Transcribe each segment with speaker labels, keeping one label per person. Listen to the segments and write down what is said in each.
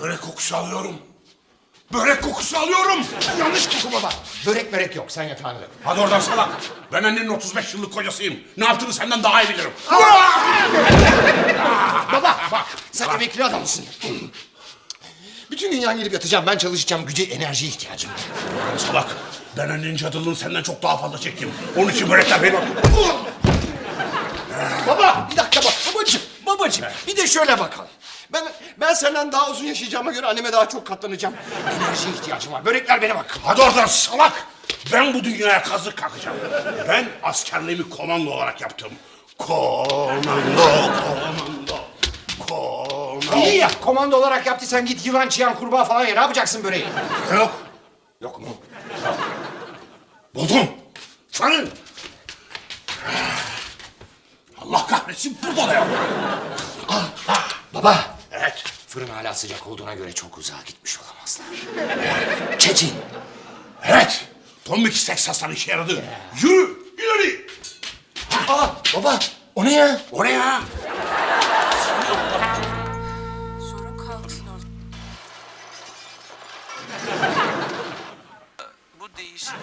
Speaker 1: Börek kokusu alıyorum. Börek kokusu alıyorum.
Speaker 2: Yanlış koku baba. Börek yok, sen yatağına dön.
Speaker 1: Hadi oradan salak. Ben annenin 35 yıllık kocasıyım. Ne yaptığını senden daha iyi bilirim.
Speaker 2: Baba bak, sen emekli adamsın. Bütün gün yan gelip yatacağım, ben çalışacağım, güce, enerjiye ihtiyacım var.
Speaker 1: Salak. Ben annenin cadılığını senden çok daha fazla çektim. Onun için börekler benim.
Speaker 2: Baba, bir dakika bak, babacığım. Bir de şöyle bakalım. Ben senden daha uzun yaşayacağıma göre anneme daha çok katlanacağım. Enerjiye ihtiyacım var, börekler benim hakkım.
Speaker 1: Hadi oradan salak. Ben bu dünyaya kazık kakacağım. Ben askerliğimi komando olarak yaptım. Komando.
Speaker 2: İyi ya, komando olarak yaptıysan git yılan, çıyan, kurbağa falan ye. Ne yapacaksın böreği?
Speaker 1: Yok.
Speaker 2: Yok mu?
Speaker 1: Buldum. Fırın. Allah kahretsin, burada da yok.
Speaker 2: Baba.
Speaker 1: Evet.
Speaker 2: Fırın hala sıcak olduğuna göre çok uzağa gitmiş olamazlar. Çetin.
Speaker 1: Evet. Tombik Teksas'tan işe yaradı. Yürü, ileri.
Speaker 2: Baba, o ne ya?
Speaker 1: Oraya.
Speaker 3: Sorun kalksın orada. Bu değişik.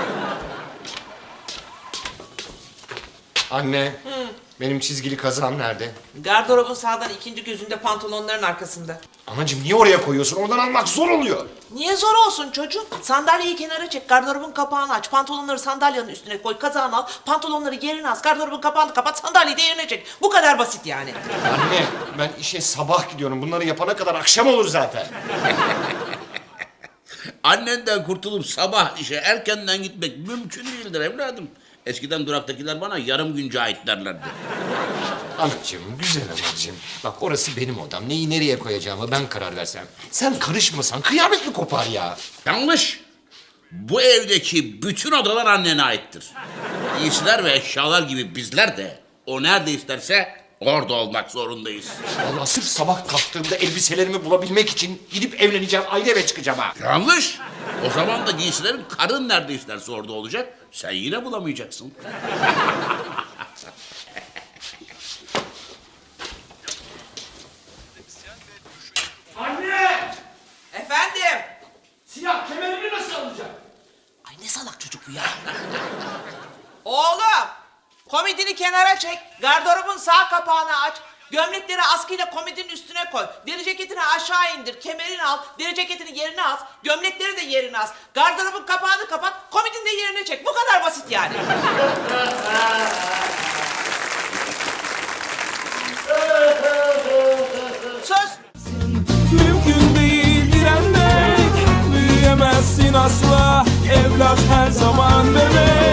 Speaker 2: Anne, benim çizgili kazağım nerede?
Speaker 4: Gardırobun sağdan ikinci gözünde pantolonların arkasında.
Speaker 2: Anacığım niye oraya koyuyorsun? Oradan almak zor oluyor.
Speaker 4: Niye zor olsun çocuğum? Sandalyeyi kenara çek, gardırobun kapağını aç, pantolonları sandalyenin üstüne koy, kazağını al, pantolonları yerine as, gardırobun kapağını kapat, sandalyeyi de yerine çek. Bu kadar basit yani.
Speaker 2: Anne, ben işe sabah gidiyorum. Bunları yapana kadar akşam olur zaten.
Speaker 5: Annenden kurtulup sabah işe erkenden gitmek mümkün değildir evladım. Eskiden duraktakiler bana yarım gün cahit derlerdi.
Speaker 2: Anacığım, güzel anacığım. Bak orası benim odam. Neyi nereye koyacağımı ben karar versem. Sen karışmasan kıyamet mi kopar ya?
Speaker 5: Yanlış. Bu evdeki bütün odalar annene aittir. Giysiler ve eşyalar gibi bizler de o nerede isterse orada olmak zorundayız.
Speaker 2: Vallahi sırf sabah kalktığımda elbiselerimi bulabilmek için gidip evleneceğim, ayrı eve çıkacağım ha.
Speaker 5: Yanlış. O zaman da giysilerin karın nerede isterse orada olacak. Sen yine bulamayacaksın.
Speaker 2: Anne!
Speaker 4: Efendim?
Speaker 2: Siyah kemerimi nasıl alacağım?
Speaker 4: Ay ne salak çocuk bu ya. Oğlum, komodini kenara çek, gardırobun sağ kapağını aç, gömlekleri askıyla komodinin üstüne koy, deri ceketini aşağı indir, kemerini al, deri ceketini yerine as, gömlekleri de yerine as, gardırobun kapağını kapat, komodini de yerine çek. Bu kadar basit yani. Söz.
Speaker 6: Mümkün değil direnmek, büyüyemezsin asla. Evlat her zaman bebek.